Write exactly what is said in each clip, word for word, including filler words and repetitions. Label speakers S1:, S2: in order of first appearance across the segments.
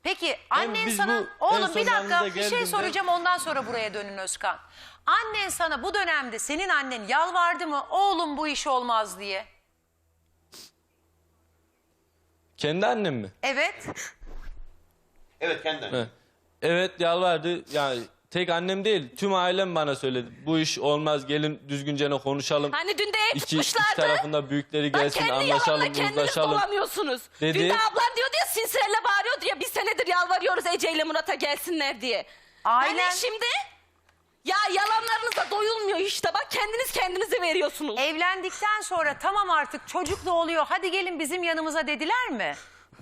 S1: Peki annen
S2: biz
S1: sana...
S2: bu en
S1: Oğlum
S2: son
S1: bir dakika
S2: yanınıza
S1: bir şey
S2: geldiğimde-
S1: soracağım, ondan sonra buraya dönün Özkan. Annen sana bu dönemde, senin annen yalvardı mı oğlum bu iş olmaz diye?
S2: Kendi annem mi?
S1: Evet.
S3: Evet kendi.
S2: He. Evet, yalvardı. Yani tek annem değil, tüm ailem bana söyledi. Bu iş olmaz, gelin düzgünce ne konuşalım.
S4: Hani dün de ev
S2: İki, iki
S4: tutmuşlardı.
S2: tarafında büyükleri
S4: Bak
S2: gelsin,
S4: kendi
S2: anlaşalım,
S4: yalanla kendiniz
S2: uzlaşalım.
S4: dolanıyorsunuz.
S2: Dedi.
S4: Dün de ablan diyordu ya, sinsirelle bağırıyordu ya, bir senedir yalvarıyoruz Ece ile Murat'a gelsinler diye.
S1: Aynen.
S4: Hani şimdi ya yalanlarınıza doyulmuyor işte, bak kendiniz kendinize veriyorsunuz.
S1: Evlendikten sonra tamam artık çocuk da oluyor, hadi gelin bizim yanımıza dediler mi?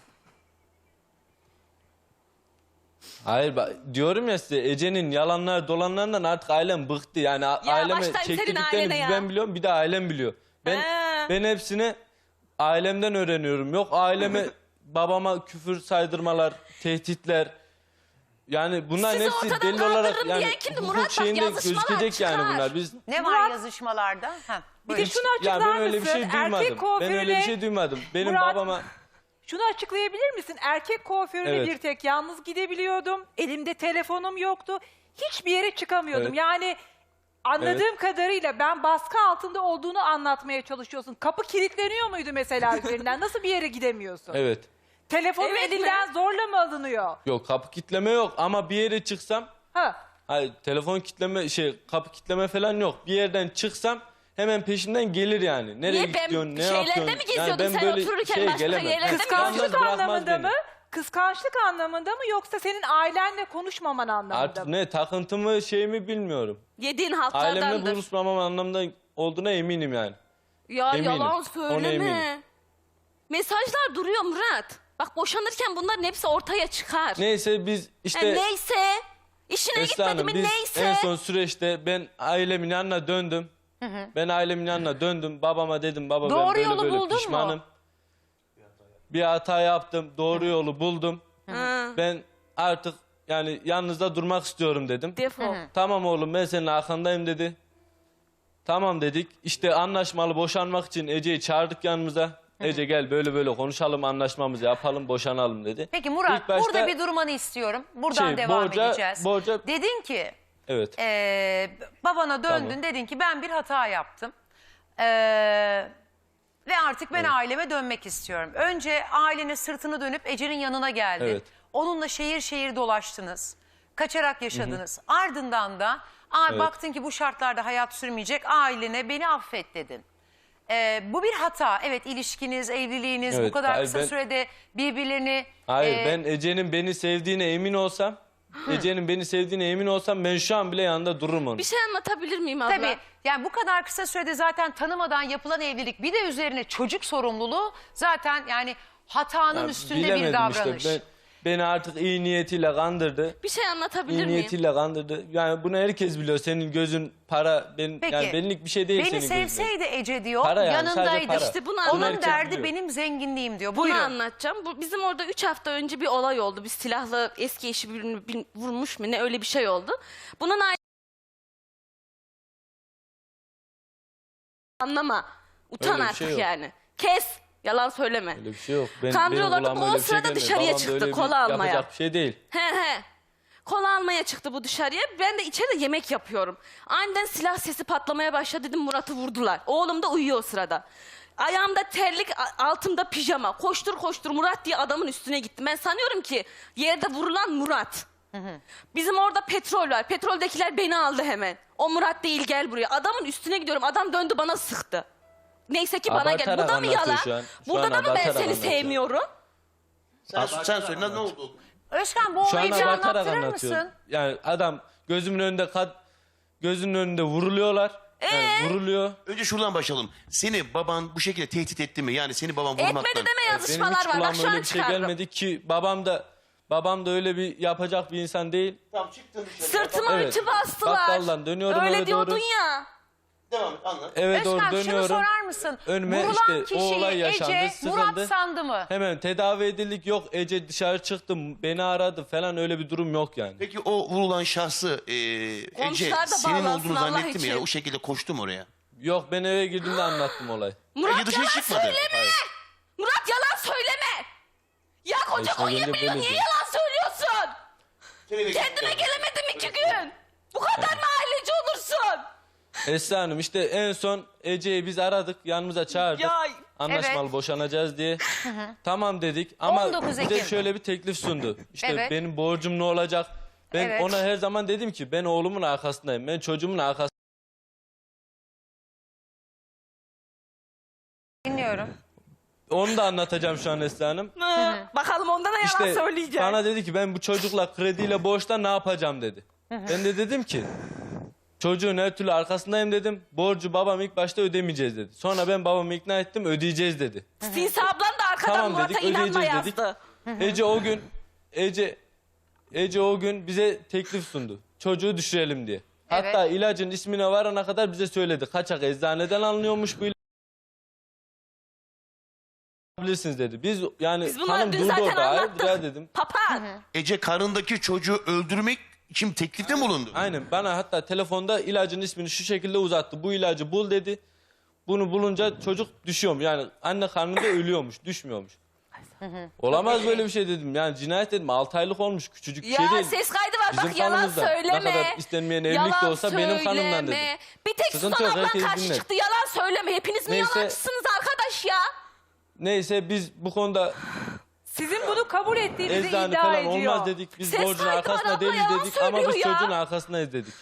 S2: Hayır, bak, diyorum ya size, Ece'nin yalanlar dolanlarından artık ailem bıktı. Yani a-
S4: Ya
S2: aileme
S4: baştan senin
S2: çektirdiklerini
S4: ailene
S2: bir
S4: ya.
S2: ben biliyorum, bir de ailem biliyor. Ben
S4: He.
S2: ben hepsini ailemden öğreniyorum. Yok aileme babama küfür saydırmalar, tehditler. Yani bunların
S4: Sizi
S2: hepsi
S4: ortadan
S2: delil olarak
S4: kaldırırım
S2: yani
S4: diyen kimdi?
S2: hukuk
S4: Murat, bak,
S2: şeyinde
S4: yazışmalar
S2: gözükecek yani
S4: çıkar.
S2: bunlar. Biz
S1: Ne var
S5: Murat-
S1: yazışmalarda? Heh,
S5: Bir
S1: buyurun.
S5: de şunu
S2: ya
S5: açıklar
S2: ben öyle bir
S5: mısın?
S2: şey duymadım.
S5: Erkek
S2: Ben
S5: kuaförüne...
S2: öyle bir şey duymadım. Benim
S5: Murat,
S2: babama
S5: Şunu açıklayabilir misin? Erkek kuaförüne
S2: Evet.
S5: bir tek yalnız gidebiliyordum. Elimde telefonum yoktu. Hiçbir yere çıkamıyordum.
S2: Evet.
S5: Yani anladığım kadarıyla ben baskı altında olduğunu anlatmaya çalışıyorsun. Kapı kilitleniyor muydu mesela üzerinden? Nasıl bir yere gidemiyorsun?
S2: evet.
S5: Telefonun
S4: Evet
S5: elinden zorla mı alınıyor?
S2: Yok, kapı kitleme yok ama bir yere çıksam,
S5: Ha.
S2: hayır, telefon kitleme şey kapı kitleme falan yok. Bir yerden çıksam hemen peşimden gelir yani. Nereye
S4: Niye, ben
S2: gidiyorsun, ne
S4: şeylerde
S2: yapıyorsun?
S4: mi geziyordun sen otururken, başka yerlerde mi
S2: Yalnız
S5: Kıskançlık
S2: bırakmaz
S5: anlamında
S2: beni.
S5: mı? Kıskançlık anlamında mı yoksa senin ailenle konuşmaman anlamında
S2: Artık
S5: mı?
S2: ne takıntımı şeyimi bilmiyorum.
S4: Yediğin
S2: Ailemle
S4: halklardandır.
S2: buluşmamam anlamında olduğuna eminim yani.
S4: Ya
S2: Eminim.
S4: yalan
S2: Ona
S4: söyleme.
S2: eminim.
S4: Mesajlar duruyor Murat. Bak boşanırken bunların hepsi ortaya çıkar.
S2: Neyse biz işte
S4: Ha, neyse. İşine
S2: Esra
S4: gitmedi
S2: Hanım,
S4: mi
S2: biz
S4: neyse.
S2: en son süreçte ben ailemin yanına döndüm. Ben ailemin yanına döndüm. Babama dedim, baba
S1: Doğru
S2: ben böyle
S1: yolu
S2: böyle
S1: buldun mu?
S2: pişmanım. Bir hata yaptım. Doğru yolu buldum.
S4: Hı.
S2: Ben artık yani yanınızda durmak istiyorum dedim.
S4: Defol.
S2: Tamam oğlum, ben senin arkandayım dedi. Tamam dedik. İşte anlaşmalı boşanmak için Ece'yi çağırdık yanımıza. Ece gel böyle böyle konuşalım, anlaşmamızı yapalım, boşanalım dedi.
S1: Peki Murat,
S2: İlk başta-
S1: burada bir durmanı istiyorum. Buradan
S2: Şey,
S1: devam
S2: borca-
S1: edeceğiz.
S2: borca-
S1: Dedin ki,
S2: Evet.
S1: e, babana döndün,
S2: Tamam.
S1: dedin ki ben bir hata yaptım. E, ve artık ben
S2: Evet.
S1: aileme dönmek istiyorum. Önce ailenin sırtını dönüp Ece'nin yanına geldin.
S2: Evet.
S1: Onunla şehir şehir dolaştınız. Kaçarak yaşadınız. Ardından da "Aa,
S2: Evet.
S1: baktın ki bu şartlarda hayat sürmeyecek, ailene beni affet" dedin. Ee, bu bir hata. Evet, ilişkiniz, evliliğiniz bu
S2: Evet,
S1: kadar
S2: hayır,
S1: kısa
S2: ben-
S1: sürede birbirlerini...
S2: Hayır,
S1: e,
S2: ben Ece'nin beni sevdiğine emin olsam, Ece'nin beni sevdiğine emin olsam ben şu an bile yanında dururum onun.
S4: Bir şey anlatabilir miyim abla?
S1: Tabii, yani bu kadar kısa sürede zaten tanımadan yapılan evlilik, bir de üzerine çocuk sorumluluğu, zaten yani hatanın
S2: Yani
S1: üstünde bir
S2: bilemedim
S1: davranış.
S2: işte. Ben, beni artık iyi niyetiyle kandırdı.
S4: Bir şey anlatabilir
S2: İyi
S4: miyim?
S2: niyetiyle kandırdı. Yani bunu herkes biliyor. Senin gözün para, benim
S1: Peki,
S2: yani benlik bir şey değil
S1: beni
S2: senin gözün.
S1: sevseydi Ece diyor,
S2: Para yani, sadece
S1: yanındaydı.
S2: para.
S4: İşte bunu
S1: Onun
S4: anlatacağım.
S1: derdi
S2: biliyor.
S1: benim zenginliğim diyor.
S4: Bunu
S1: Buyurun.
S4: anlatacağım. Bu, bizim orada üç hafta önce bir olay oldu. Bir silahlı eski eşi birini bin- vurmuş mu ne, öyle bir şey oldu. Bunun aile... Anlama. Utan
S2: Öyle bir
S4: artık
S2: şey yok.
S4: yani. Kes. Yalan söyleme.
S2: Öyle bir şey yok. Ben,
S4: Kandırıyorlardı.
S2: benim kulağıma
S4: O
S2: öyle bir şey
S4: sırada
S2: gelmedi.
S4: dışarıya
S2: Babam da
S4: çıktı,
S2: öyle bir
S4: kola almaya.
S2: Yapacak bir şey değil.
S4: He he. Kola almaya çıktı bu dışarıya. Ben de içeride yemek yapıyorum. Aniden silah sesi patlamaya başladı. Dedim Murat'ı vurdular. Oğlum da uyuyor o sırada. Ayağımda terlik, a- altımda pijama. Koştur koştur Murat diye adamın üstüne gittim. Ben sanıyorum ki yerde vurulan Murat. Bizim orada petrol var. Petroldekiler beni aldı hemen. O Murat değil, gel buraya. Adamın üstüne gidiyorum. Adam döndü bana sıktı. Neyse ki bana geldi.
S2: Abartarak
S4: Bu da mı
S2: anlatıyor
S4: yalan?
S2: şu an. Şu
S4: Burada
S2: an
S4: da mı ben
S2: abartarak
S4: seni
S2: anlatıyor.
S4: sevmiyorum?
S3: Sen, sen söyle ne oldu?
S1: Özkan, bu
S2: Şu an
S1: olayı bir
S2: abartarak
S1: anlattırır
S2: anlatıyor.
S1: mısın?
S2: Yani adam gözümün önünde kad gözünün önünde vuruluyorlar. Yani
S4: Ee?
S2: vuruluyor.
S3: Önce şuradan başlayalım. Seni baban bu şekilde tehdit etti mi? Yani seni baban vurmaktan.
S4: Etmedi deme,
S2: Benim
S4: yazışmalar
S2: hiç
S4: var. Bak
S2: kulağıma
S4: şu
S2: öyle
S4: an
S2: bir şey
S4: çıkardım.
S2: gelmedi ki babam da babam da öyle bir yapacak bir insan değil.
S3: Tamam çıktın dışarı.
S4: Sırtıma
S2: Evet.
S4: ütü bastılar.
S2: Bakkaldan dönüyorum
S4: Öyle
S2: eve
S4: diyordun
S2: doğru.
S4: ya.
S3: Devam et anlat.
S2: Eve doğru
S1: Özkan, şunu
S2: dönüyorum.
S1: sorar mısın?
S2: Önüme
S1: Vurulan
S2: işte o
S1: kişiyi
S2: olay yaşandı,
S1: Ece,
S2: sıkıldı.
S1: Murat sandı mı?
S2: Hemen tedavi edildik, yok Ece dışarı çıktım beni aradı falan, öyle bir durum yok yani.
S3: Peki o vurulan şahsı e, Ece
S4: Komşular da
S3: senin
S4: bağlansın
S3: olduğunu
S4: Allah
S2: şey
S3: zannetti mi ya?
S4: için.
S3: O şekilde koştum oraya.
S2: Yok, ben eve girdiğimde anlattım olayı.
S4: Murat
S3: Ece dışarı
S4: yalan
S3: çıkmadı.
S4: söyleme.
S2: Hayır.
S4: Murat yalan söyleme. Ya koca
S2: işte
S4: Konya
S2: bence
S4: biliyor.
S2: böyle
S4: Niye
S2: diyor.
S4: yalan söylüyorsun? Kendime gelemedim iki gün. Bu kadar mı aileci olursun?
S2: Esra Hanım işte en son Ece'yi biz aradık, yanımıza çağırdık.
S4: Ya,
S2: Anlaşmalı
S1: evet.
S2: boşanacağız diye. Tamam dedik ama
S1: on dokuz
S2: bize
S1: Ekim.
S2: şöyle bir teklif sundu. İşte
S1: Evet.
S2: benim borcum ne olacak? Ben
S1: Evet.
S2: ona her zaman dedim ki ben oğlumun arkasındayım. Ben çocuğumun arkasındayım.
S1: Dinliyorum.
S2: Onu da anlatacağım şu an Esra Hanım.
S4: Hı, Bakalım ondan da yalan
S2: İşte
S4: söyleyeceğim.
S2: bana dedi ki ben bu çocukla krediyle borçla ne yapacağım dedi. Ben de dedim ki çocuğun her türlü arkasındayım dedim. Borcu babam ilk başta ödemeyeceğiz dedi. Sonra ben babamı ikna ettim, ödeyeceğiz dedi.
S4: Sinsi ablan da arkadan
S2: Tamam
S4: Murat'a
S2: dedik,
S4: inanma
S2: ödeyeceğiz dedik.
S4: yazdı.
S2: Ece o gün Ece Ece o gün bize teklif sundu. Çocuğu düşürelim diye. Hatta
S1: Evet.
S2: ilacın ismine varana kadar bize söyledi. Kaçak eczaneden alınıyormuş bu ilaç. Bilirsiniz dedi. Biz yani
S4: Biz bunları
S2: hanım
S4: dün
S2: durdu
S4: zaten
S2: orada. Hayırdır
S4: anlattık.
S2: ya dedim.
S4: Papağan.
S3: Ece karındaki çocuğu öldürmek için teklifte mi bulundu?
S2: Aynen bana hatta telefonda ilacın ismini şu şekilde uzattı. Bu ilacı bul dedi. Bunu bulunca çocuk düşüyormuş. Yani anne karnında ölüyormuş, düşmüyormuş. Olamaz böyle bir şey dedim. Yani cinayet dedim. altı aylık olmuş. Küçücük bir
S4: Ya
S2: şey değil.
S4: ses kaydı var
S2: Bizim
S4: bak yalan
S2: kanımızda.
S4: söyleme.
S2: Ne kadar istenmeyen evlilik
S4: Yalan
S2: de olsa benim kanımdan dedim.
S4: söyleme. Bir tek
S2: Sıkıntı
S4: Suzan
S2: yok,
S4: ablan
S2: herkes
S4: karşı
S2: dinler.
S4: çıktı yalan söyleme. Hepiniz mi
S2: Neyse.
S4: yalancısınız arkadaş ya?
S2: Neyse biz bu konuda
S5: Sizin bunu kabul ettiğinizi
S2: eczane
S5: iddia
S2: falan
S5: ediyor.
S2: olmaz dedik. Biz
S4: Ses
S2: borcun
S4: kaydı var,
S2: arkasında
S4: abla
S2: değiliz
S4: yalan
S2: dedik ama biz
S4: söylüyor ya.
S2: çocuğun arkasındayız dedik.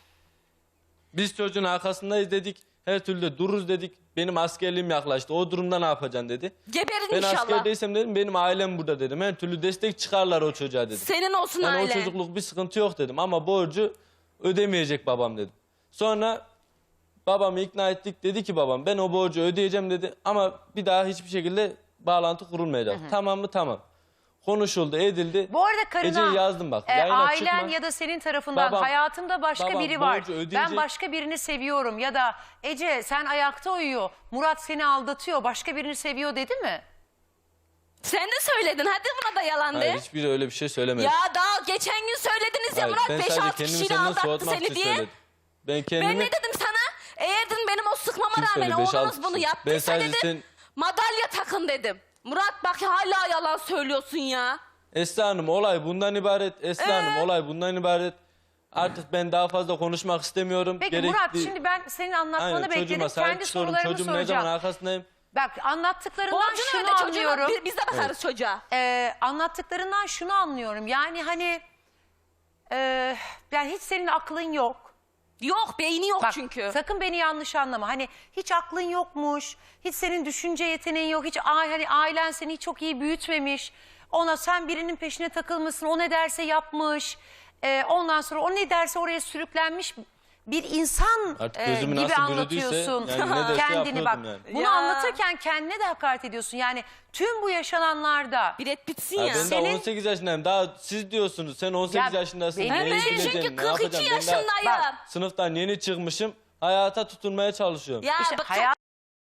S2: Biz çocuğun arkasındayız dedik. Her türlü de dururuz dedik. Benim askerliğim yaklaştı. O durumda ne yapacaksın dedi.
S4: Geberin
S2: Ben
S4: inşallah.
S2: askerdeysem dedim benim ailem burada dedim. Her türlü destek çıkarlar o çocuğa dedim.
S4: Senin olsun
S2: Yani o
S4: ailen.
S2: çocukluk bir sıkıntı yok dedim ama borcu ödemeyecek babam dedim. Sonra babamı ikna ettik, dedi ki babam ben o borcu ödeyeceğim dedi ama bir daha hiçbir şekilde bağlantı kurulmayacak. Tamam mı? Tamam. Konuşuldu, edildi.
S1: Bu arada karına
S2: Ece'yi yazdım bak.
S1: e,
S2: yayına
S1: ailen
S2: çıkma.
S1: ya da senin tarafından
S2: Babam-
S1: hayatımda başka
S2: babam
S1: biri var.
S2: borcu ödeyecek.
S1: Ben başka birini seviyorum ya da Ece sen ayakta uyuyor. Murat seni aldatıyor. Başka birini seviyor dedi mi?
S4: Sen de söyledin hadi buna da yalan de.
S2: Hayır hiçbiri öyle bir şey söylemedi.
S4: Ya daha geçen gün söylediniz ya
S2: Hayır,
S4: Murat
S2: ben
S4: beş
S2: sadece
S4: altı
S2: kendimi
S4: kişiyle
S2: senden
S4: aldattı
S2: soğutmak
S4: seni
S2: için
S4: diye.
S2: söyledim. Ben kendimi...
S4: Ben ne dedim sana? Eğer dedim benim o sıkmama
S2: Kim
S4: rağmen
S2: söyledi? Beş,
S4: oğlunuz
S2: altı
S4: bunu
S2: kişi. Ben
S4: yaptıysa
S2: sadece
S4: dedim
S2: sen-
S4: madalya takın dedim. Murat bak hala yalan söylüyorsun ya.
S2: Esra Hanım olay bundan ibaret. Esra Hanım
S4: Ee?
S2: olay bundan ibaret. Artık ben daha fazla konuşmak istemiyorum.
S1: Peki
S2: Gerekli-
S1: Murat şimdi ben senin anlatmanı
S2: Aynen,
S1: bekledim.
S2: çocuğuma sahip
S1: Kendi
S2: çıkıyorum.
S1: sorularımı
S2: Çocuğum ne zaman
S1: soracağım.
S2: arkasındayım.
S1: Bak anlattıklarından
S4: Borcunu
S1: şunu
S4: öde çocuğuna
S1: anlıyorum.
S4: bi- biz de bakarız çocuğa.
S1: Ee, anlattıklarından şunu anlıyorum. Yani hani e, yani hiç senin aklın yok.
S4: Yok beyni yok
S1: Bak
S4: çünkü.
S1: sakın beni yanlış anlama. Hani hiç aklın yokmuş. Hiç senin düşünce yeteneğin yok. Hiç a- hani ailen seni hiç çok iyi büyütmemiş. Ona sen birinin peşine takılmışsın. O ne derse yapmış. Ee, ondan sonra o ne derse oraya sürüklenmiş bir insan
S2: Artık
S1: e,
S2: gözümü
S1: gibi
S2: nasıl bürüdüyse,
S1: anlatıyorsun
S2: yani ne derse
S1: kendini bak.
S2: yapıyordum yani.
S1: Bunu
S4: Ya.
S1: anlatırken kendine de hakaret ediyorsun. Yani tüm bu yaşananlarda
S4: Bir et bitsin
S2: Ya
S4: ya.
S2: ben
S1: Senin-
S2: daha on sekiz yaşındayım. Daha siz diyorsunuz. Sen on sekiz
S1: Ya
S2: yaşındasın.
S1: benim-
S2: neyi
S1: Ben
S2: bileceksin,
S4: çünkü
S2: ne
S4: kırk iki
S2: yapacaksın? Ben daha
S4: yaşındayım.
S2: sınıftan yeni çıkmışım. Hayata tutunmaya çalışıyorum.
S4: Ya
S1: işte
S4: bak çok-
S1: hayat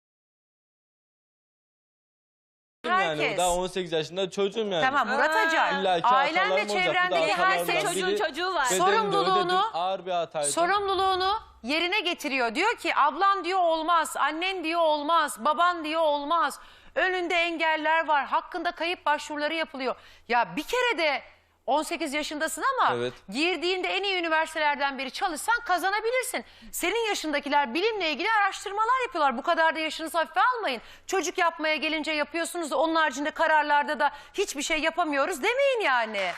S2: Yani
S1: herkes.
S2: daha on sekiz yaşında çocuğum yani.
S1: Tamam Murat Acar.
S2: İlla ki
S1: Ailen ve
S2: hatalarım olacak. Bu da
S1: çevrendeki
S2: hatalardan
S1: herkes
S4: çocuğun
S2: biri.
S4: çocuğu var.
S2: Bedelini de
S1: Sorumluluğunu-
S2: ödedim. Ağır bir hataydı.
S1: sorumluluğunu yerine getiriyor. Diyor ki ablan diyor olmaz, annen diyor olmaz, baban diyor olmaz. Önünde engeller var, hakkında kayıp başvuruları yapılıyor. Ya bir kere de on sekiz yaşındasın ama
S2: Evet.
S1: girdiğinde en iyi üniversitelerden biri çalışsan kazanabilirsin. Senin yaşındakiler bilimle ilgili araştırmalar yapıyorlar. Bu kadar da yaşınızı hafife almayın. Çocuk yapmaya gelince yapıyorsunuz da onun haricinde kararlarda da hiçbir şey yapamıyoruz demeyin yani.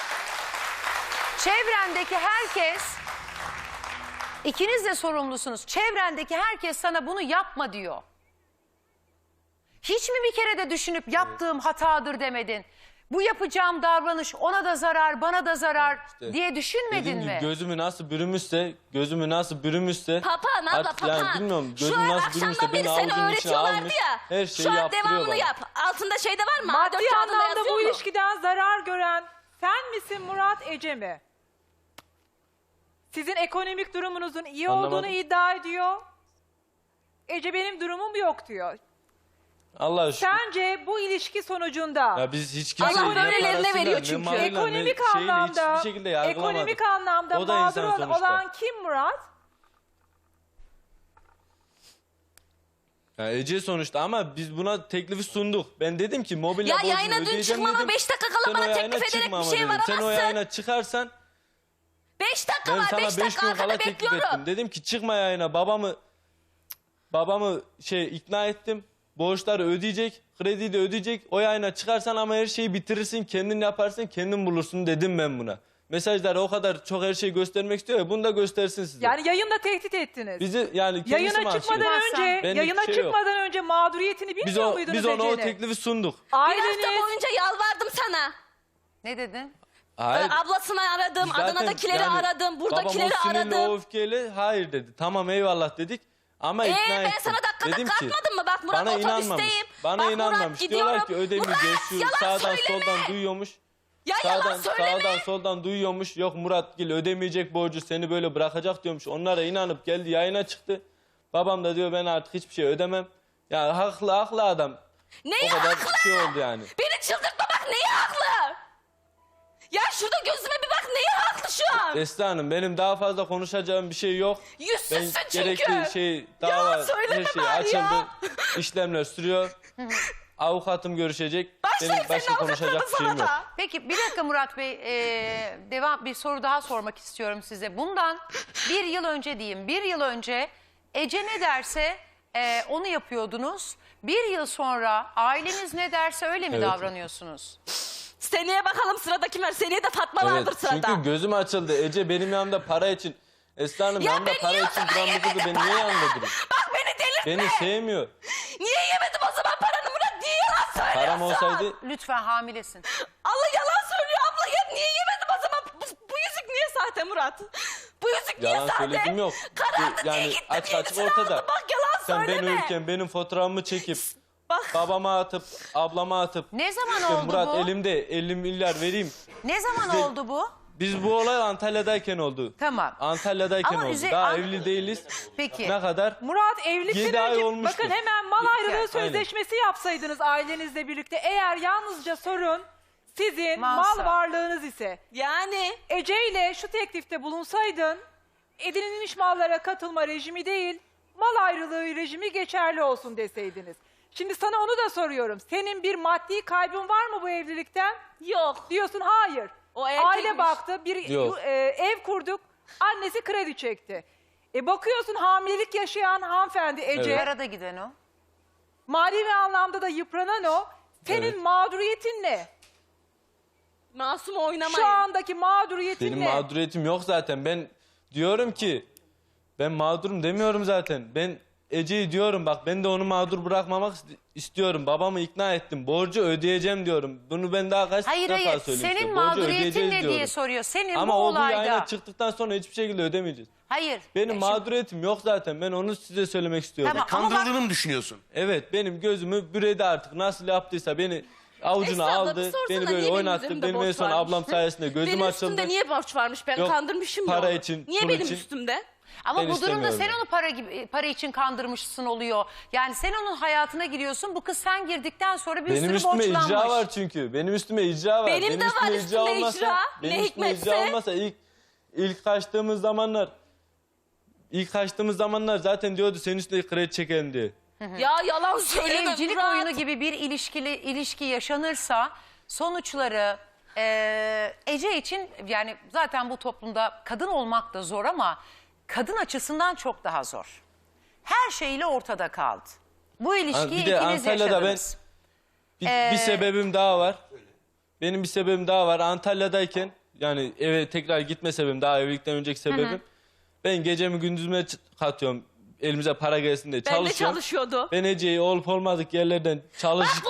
S1: Çevrendeki herkes, ikiniz de sorumlusunuz. Çevrendeki herkes sana bunu yapma diyor. Hiç mi bir kere de düşünüp yaptığım hatadır demedin? Bu yapacağım davranış ona da zarar, bana da zarar
S2: İşte
S1: diye düşünmedin
S2: Dediğim gibi
S1: mi?
S2: gözümü nasıl bürümüşse, gözümü nasıl bürümüşse...
S4: Papağan abla
S2: artık
S4: papağan.
S2: Yani bilmiyorum
S4: Şu
S2: gözüm
S4: an
S2: nasıl bürümüşse
S4: akşamdan beri
S2: beni
S4: seni
S2: avucunun içine
S4: öğretiyorlardı
S2: almış.
S4: ya.
S2: Her şeyi
S4: Şu an
S2: yaptırıyor
S4: devamını
S2: bana.
S4: yap. Altında şey de var mı? A dört
S5: Maddi
S4: kağıdında
S5: anlamda
S4: yazıyor
S5: bu
S4: mu?
S5: ilişkiden zarar gören sen misin Murat, Ece mi? Sizin ekonomik durumunuzun iyi
S2: Anlamadım.
S5: olduğunu iddia ediyor. Ece benim durumum yok diyor.
S2: Allah şükür.
S5: Sence bu ilişki sonucunda
S2: Ya biz hiç kimseyi
S4: Allah
S2: ne
S4: böylelerine
S2: parasıyla,
S4: veriyor
S2: ne
S4: çünkü.
S2: malıyla, ne
S5: ekonomik
S2: şeyle
S5: anlamda
S2: hiçbir şekilde yargılamadık.
S5: ekonomik anlamda
S2: O da
S5: mağdur
S2: insan sonuçta.
S5: olan kim Murat?
S2: Ya Ece sonuçta ama biz buna teklifi sunduk. Ben dedim ki mobilya
S4: Ya
S2: borcunu
S4: yayına dün
S2: ödeyeceğim
S4: çıkmama
S2: dedim.
S4: beş dakika kala
S2: Sen o
S4: bana
S2: yayına
S4: teklif ederek
S2: çıkma
S4: bir
S2: ama
S4: şey
S2: dedim. Sen o
S4: varamazsın.
S2: yayına çıkarsan
S4: Beş dakika
S2: ben
S4: var.
S2: sana
S4: Beş
S2: beş
S4: dakika
S2: gün
S4: arkada
S2: kala teklif
S4: bekliyorum.
S2: ettim. Dedim ki çıkma yayına, babamı babamı şey ikna ettim. Borçları ödeyecek, krediyi de ödeyecek. O yayına çıkarsan ama her şeyi bitirirsin, kendin yaparsın, kendin bulursun dedim ben buna. Mesajları o kadar çok her şeyi göstermek istiyor ya, bunu da göstersin size.
S5: Yani yayında tehdit ettiniz.
S2: Bizi yani kendisi
S5: Yayına
S2: mahsul
S5: çıkmadan
S2: ediyor.
S5: önce,
S2: Benlik
S5: yayına
S2: bir şey yok.
S5: çıkmadan önce mağduriyetini bilmiyor
S2: Biz, o,
S5: muydunuz
S2: biz ona o
S5: Ece'nin?
S2: teklifi sunduk.
S4: Bir
S5: Aileniz,
S4: hafta boyunca yalvardım sana.
S1: Ne dedin?
S2: Hayır.
S4: Ee, Ablasını aradım,
S2: Zaten
S4: Adana'dakileri
S2: yani
S4: aradım, buradakileri
S2: babam o sinirle,
S4: aradım.
S2: o öfkeyle hayır dedi. Tamam eyvallah dedik ama
S4: Ee,
S2: ikna
S4: ben
S2: ettim.
S4: sana dakikada
S2: Dedim ki,
S4: kalkmadım mı? Bak Murat
S2: bana inanmamış.
S4: otobüsteyim.
S2: Bana
S4: Bak Murat
S2: inanmamış.
S4: gidiyorum.
S2: Diyorlar ki ödemeyeceğiz. Şu
S4: Murat, yalan
S2: sağdan
S4: söyleme.
S2: soldan duyuyormuş.
S4: Ya
S2: Sağdan,
S4: yalan söyleme.
S2: sağdan soldan duyuyormuş. Yok Muratgil ödemeyecek borcu, seni böyle bırakacak diyormuş. Onlara inanıp geldi, yayına çıktı. Babam da diyor ben artık hiçbir şey ödemem. Ya haklı haklı adam.
S4: Neyi
S2: O kadar
S4: haklı?
S2: şey oldu yani.
S4: Beni çıldırtma bak neyi haklı? Ya şurada gözüme bir bak neyi haklı şu an?
S2: Esra Hanım benim daha fazla konuşacağım bir şey yok. Ben
S4: Yüzsüzsün çünkü.
S2: gerekli şey dava
S4: Yalan söyleme
S2: her şey
S4: bari
S2: açıldı.
S4: ya.
S2: İşlemler sürüyor. Avukatım görüşecek.
S4: Başlayın
S2: Benim başka
S4: senin
S2: konuşacak bir
S4: avukatlarına
S2: şeyim yok.
S4: sana da.
S1: Peki bir dakika Murat Bey, ee, devam bir soru daha sormak istiyorum size. Bundan bir yıl önce diyeyim, bir yıl önce Ece ne derse ee, onu yapıyordunuz. Bir yıl sonra aileniz ne derse öyle mi
S2: Evet.
S1: davranıyorsunuz?
S4: Seneye bakalım sırada kim var? Seneye de Fatma
S2: Evet,
S4: vardır sırada.
S2: çünkü gözüm açıldı. Ece benim yanımda para için. Esra Hanım
S4: Ya
S2: yanımda
S4: ben
S2: para
S4: niye o
S2: için
S4: zaman
S2: duran bir kızı
S4: yemedim
S2: ben niye
S4: para?
S2: yanında durayım?
S4: Bak beni delirtme.
S2: Beni sevmiyor.
S4: Niye yemedim o zaman paranı Murat? Niye yalan söylüyorsun?
S2: Param olsaydı
S1: Lütfen hamilesin.
S4: Allah yalan söylüyor abla ya. Niye yemedim o zaman? Bu, bu yüzük niye sahte Murat? Bu yüzük niye
S2: yalan
S4: sahte?
S2: söylediğim yok.
S4: Karardı diye
S2: Yani
S4: gittim
S2: açık açık
S4: yenisini
S2: ortada.
S4: aldım. Bak yalan
S2: Sen ben
S4: söyleme.
S2: uyurken benim fotoğrafımı çekip
S4: Bak.
S2: babama atıp ablama atıp
S1: Ne zaman
S2: işte
S1: oldu
S2: Murat
S1: bu?
S2: elimde elli milyar vereyim.
S1: Ne zaman
S2: Size-
S1: oldu bu?
S2: Biz bu olay Antalya'dayken oldu.
S1: Tamam.
S2: Antalya'dayken
S1: Ama
S2: oldu.
S1: üze-
S2: Daha
S1: An-
S2: evli değiliz.
S1: Peki.
S2: Ne kadar?
S5: Murat evlilikten
S2: Yedi ay
S5: önce
S2: olmuştu.
S5: bakın hemen mal ayrılığı
S2: Aynen.
S5: sözleşmesi yapsaydınız ailenizle birlikte. Eğer yalnızca sorun sizin
S1: Malsa.
S5: mal varlığınız ise
S4: Yani
S5: Ece ile şu teklifte bulunsaydın edinilmiş mallara katılma rejimi değil mal ayrılığı rejimi geçerli olsun deseydiniz. Şimdi sana onu da soruyorum. Senin bir maddi kaybın var mı bu evlilikten?
S4: yok.
S5: Diyorsun hayır.
S4: O erkekmiş.
S5: Aile baktı, bir
S2: Yok.
S5: e, ev kurduk, annesi kredi çekti. E bakıyorsun hamilelik yaşayan hanımefendi Ece,
S2: Evet.
S1: Arada giden o.
S5: manevi anlamda da yıpranan o. Senin
S2: Evet.
S5: mağduriyetin ne?
S4: Masum oynamayın.
S5: Şu andaki mağduriyetin
S2: Benim
S5: ne?
S2: mağduriyetim yok zaten. Ben diyorum ki ben mağdurum demiyorum zaten. Ben Ece'yi diyorum bak ben de onu mağdur bırakmamak ist- istiyorum. Babamı ikna ettim. Borcu ödeyeceğim diyorum. Bunu ben daha kaç
S1: Hayır
S2: defa
S1: hayır
S2: söyleyeyim
S1: senin
S2: size. Borcu
S1: mağduriyetin
S2: ödeyeceğiz
S1: ne diye
S2: diyorum.
S1: soruyor. Senin
S2: Ama
S1: bu
S2: o bu
S1: olayda.
S2: yayına çıktıktan sonra hiçbir şekilde ödemeyeceğiz.
S1: Hayır.
S2: Benim
S1: E, şimdi-
S2: mağduriyetim yok zaten. Ben onu size söylemek istiyorum.
S1: Tamam. Ama bak-
S3: Kandırıldığını mı düşünüyorsun?
S2: Evet benim gözümü büredi artık. Nasıl yaptıysa beni avucuna
S4: Esra abla,
S2: aldı.
S4: bir sorsana,
S2: Beni
S4: niye
S2: böyle
S4: benim
S2: oynattı.
S4: üzerimde
S2: Benim en
S4: borç
S2: son
S4: varmış?
S2: ablam sayesinde gözüm
S4: Benim
S2: açıldı.
S4: üstümde niye borç varmış? Ben
S2: Yok,
S4: kandırmışım
S2: para
S4: ya.
S2: için,
S4: Niye
S2: pul
S4: benim
S2: için.
S4: üstümde?
S1: Ama
S2: Ben
S1: bu durumda
S2: istemiyorum
S1: sen
S2: yani.
S1: onu para gibi para için kandırmışsın oluyor. Yani sen onun hayatına giriyorsun. Bu kız sen girdikten sonra bir
S2: Benim
S1: sürü
S2: üstüme
S1: borçlanmış.
S2: icra var çünkü. Benim üstüme icra var.
S4: Benim de var
S2: üstüme
S4: üstümde
S2: olmasa-
S4: icra.
S2: Benim
S4: Ne
S2: üstüme icra
S4: hikmetse.
S2: olmasa ilk ilk kaçtığımız zamanlar ilk kaçtığımız zamanlar zaten diyordu senin üstüne kredi çekelim diye.
S4: Ya yalan söyleme
S1: Evcilik
S4: Murat.
S1: oyunu gibi bir ilişkili ilişki yaşanırsa sonuçları e, Ece için yani zaten bu toplumda kadın olmak da zor ama kadın açısından çok daha zor. Her şeyle ortada kaldı. Bu ilişkiyi
S2: bir de
S1: ikiniz
S2: Antalya'da ben
S1: yaşadınız.
S2: bir,
S1: Ee,
S2: bir sebebim daha var. Benim bir sebebim daha var. Antalya'dayken yani eve tekrar gitme sebebim daha evlilikten önceki sebebim. Ben gecemi gündüzüme ç- katıyorum. Elimize para gelsin diye
S4: Ben de
S2: çalışıyorum.
S4: çalışıyordu.
S2: Ben Ece'yi olup olmadık yerlerden çalışırken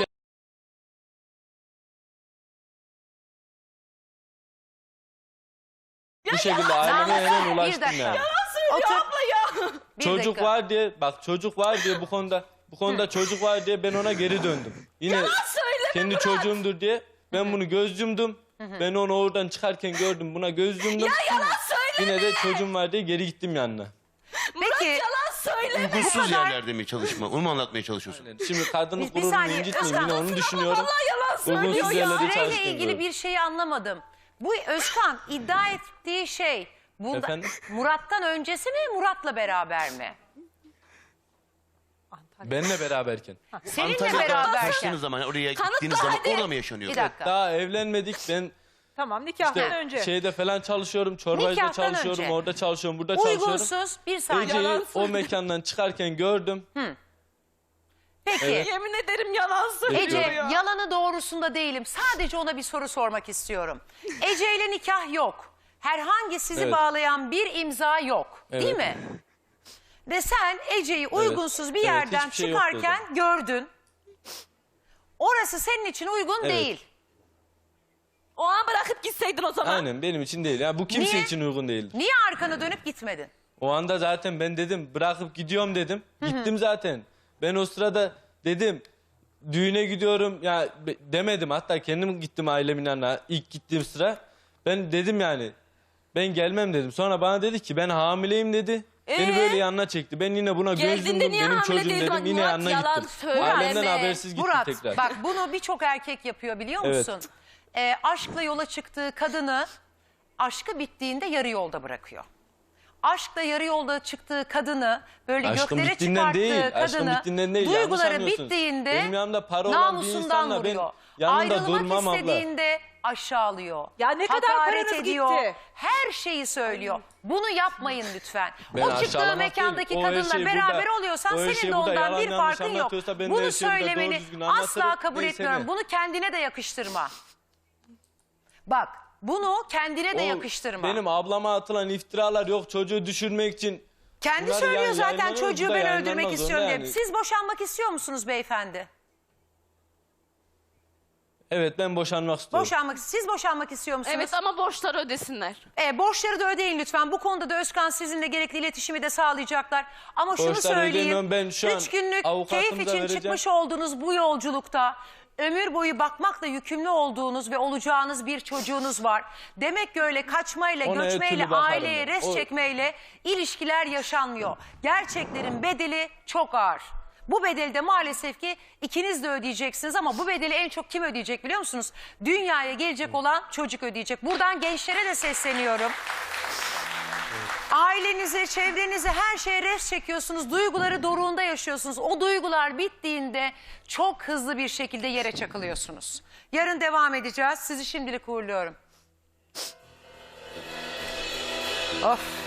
S2: bu şekilde aileme hemen
S1: Bir
S2: ulaştım
S1: dakika.
S2: yani.
S1: Otur.
S4: Abla ya.
S1: Bir
S2: Çocuk
S1: dakika.
S2: var diye bak çocuk var diye bu konuda bu konuda çocuk var diye ben ona geri döndüm. Yine
S4: söyleme
S2: kendi
S4: Murat.
S2: çocuğumdur diye ben bunu göz yumdum. Ben onu oradan çıkarken gördüm buna göz yumdum.
S4: Yalan söyleme.
S2: Yine de çocuğum var diye geri gittim yanına.
S1: Peki
S4: Yalan söyleme.
S3: Hukuksuz yerlerde mi çalışma? Onu mu anlatmaya çalışıyorsun?
S2: Şimdi kadının
S1: Bir- bir
S2: gururunu
S1: saniye,
S2: incitmeyeyim yine
S1: Özkan,
S2: onu düşünüyorum.
S4: Vallahi yalan söylüyor
S2: Uygunsuz
S4: ya.
S2: yerlerde
S1: Süreyle
S2: çalıştım.
S1: ilgili bir şeyi anlamadım. Bu Özkan iddia ettiği şey bunda,
S2: Efendim?
S1: Murat'tan öncesi mi Murat'la beraber mi?
S2: Benle beraberken.
S1: Seninle
S3: Antalya'da
S1: beraberken.
S3: kaçtığınız zaman, oraya
S4: Kanıtla
S3: gittiğiniz zaman
S4: hadi.
S3: orada mı yaşanıyordu?
S1: Bir dakika.
S2: Daha evlenmedik. Ben
S5: Tamam, nikahtan
S2: işte
S5: önce.
S2: şeyde falan çalışıyorum. Çorbacıda
S1: Nikahtan
S2: çalışıyorum.
S1: önce.
S2: Orada çalışıyorum. Burada çalışıyorum.
S1: Uygunsuz bir saniye.
S2: Ece'yi
S4: Yalan
S2: o
S4: söylüyor.
S2: mekandan çıkarken gördüm.
S1: Peki.
S4: Yemin ederim yalan söylüyor
S1: Ece,
S4: ya.
S1: yalanı doğrusunda değilim. Sadece ona bir soru sormak istiyorum. Ece ile nikah yok. Herhangi sizi
S2: Evet.
S1: bağlayan bir imza yok. Değil
S2: Evet.
S1: mi? Ve sen Ece'yi uygunsuz bir
S2: Evet,
S1: yerden
S2: hiçbir şey yoktu o
S1: çıkarken gördün. Orası senin için uygun
S2: Evet.
S1: değil.
S4: O an bırakıp gitseydin o zaman.
S2: Aynen benim için değil. Ya bu kimse
S1: Niye?
S2: için uygun değildi.
S1: Niye arkana dönüp gitmedin?
S2: O anda zaten ben dedim bırakıp gidiyorum dedim. Gittim zaten. Ben o sırada dedim düğüne gidiyorum ya be- demedim. Hatta kendim gittim ailemin yanına ilk gittiğim sıra. Ben dedim yani ben gelmem dedim. Sonra bana dedi ki ben hamileyim dedi. Beni
S4: Ee?
S2: böyle yanına çekti. Ben yine buna göz
S4: Geldiğinde
S2: yumdum.
S4: niye
S2: Benim
S4: hamile
S2: çocuğum
S4: değildin?
S2: dedim.
S4: Bak
S2: Yine
S4: Murat,
S2: yanına
S4: yalan
S2: gittim.
S4: söyleme.
S2: Ailemden habersiz gittim
S1: Murat,
S2: tekrar.
S1: bak bunu birçok erkek yapıyor biliyor
S2: Evet.
S1: musun? Ee, aşkla yola çıktığı kadını aşkı bittiğinde yarı yolda bırakıyor. Aşkla yarı yolda çıktığı kadını böyle
S2: Aşkım
S1: göklere
S2: bittiğinden
S1: çıkarttığı
S2: değil, aşkım
S1: kadını
S2: bittiğinden değil, yanlış
S1: duyguları
S2: anlıyorsunuz.
S1: bittiğinde
S2: Benim yanımda para olan bir
S1: namusundan
S2: insanla ben
S1: vuruyor.
S2: yanında
S1: Ayrılmak
S2: durmam abla.
S1: istediğinde aşağılıyor.
S5: Ya ne kadar
S1: hakaret
S5: paranız
S1: ediyor.
S5: gitti?
S1: Her şeyi söylüyor. Bunu yapmayın lütfen.
S2: Ben
S1: o çıktığı
S2: aşağılamak
S1: mekandaki
S2: değil, o her
S1: kadınla
S2: şey
S1: beraber
S2: burada-
S1: oluyorsan
S2: o her
S1: senin
S2: şey
S1: de
S2: burada
S1: ondan
S2: yalan
S1: bir
S2: yanlış
S1: farkın yok.
S2: anlatıyorsa ben de
S1: Bunu
S2: her şeyi burada doğru
S1: söylemeni
S2: düzgün
S1: asla
S2: anlatırım,
S1: kabul
S2: neyse
S1: etmiyorum.
S2: ne.
S1: Bunu kendine de yakıştırma. Bak bunu kendine de
S2: O
S1: yakıştırma.
S2: Benim ablama atılan iftiralar yok çocuğu düşürmek için.
S1: Kendi
S2: Bunlar
S1: söylüyor
S2: yani
S1: zaten
S2: yayınlanıyor,
S1: çocuğu
S2: bu da
S1: ben
S2: yayınlanmaz
S1: öldürmek
S2: onda
S1: istiyorum diye.
S2: yani.
S1: Siz boşanmak istiyor musunuz beyefendi?
S2: Evet ben boşanmak istiyorum.
S1: Boşanmak, siz boşanmak istiyor musunuz?
S4: Evet ama borçları ödesinler.
S1: E, borçları da ödeyin lütfen. Bu konuda da Özkan sizinle gerekli iletişimi de sağlayacaklar. Ama şunu
S2: Borçları
S1: söyleyeyim.
S2: ödemiyorum. Ben şu an
S1: Üç günlük
S2: avukatımıza
S1: keyif için
S2: vereceğim.
S1: çıkmış olduğunuz bu yolculukta ömür boyu bakmakla yükümlü olduğunuz ve olacağınız bir çocuğunuz var. Demek ki öyle kaçmayla,
S2: Ona her
S1: göçmeyle,
S2: türlü bakarım
S1: aileye
S2: ben.
S1: res
S2: O-
S1: çekmeyle ilişkiler yaşanmıyor. Gerçeklerin bedeli çok ağır. Bu bedeli de maalesef ki ikiniz de ödeyeceksiniz ama bu bedeli en çok kim ödeyecek biliyor musunuz? Dünyaya gelecek olan çocuk ödeyecek. Buradan gençlere de sesleniyorum. Ailenize, çevrenize her şeye res çekiyorsunuz. Duyguları doruğunda yaşıyorsunuz. O duygular bittiğinde çok hızlı bir şekilde yere çakılıyorsunuz. Yarın devam edeceğiz. Sizi şimdilik uğurluyorum. Of.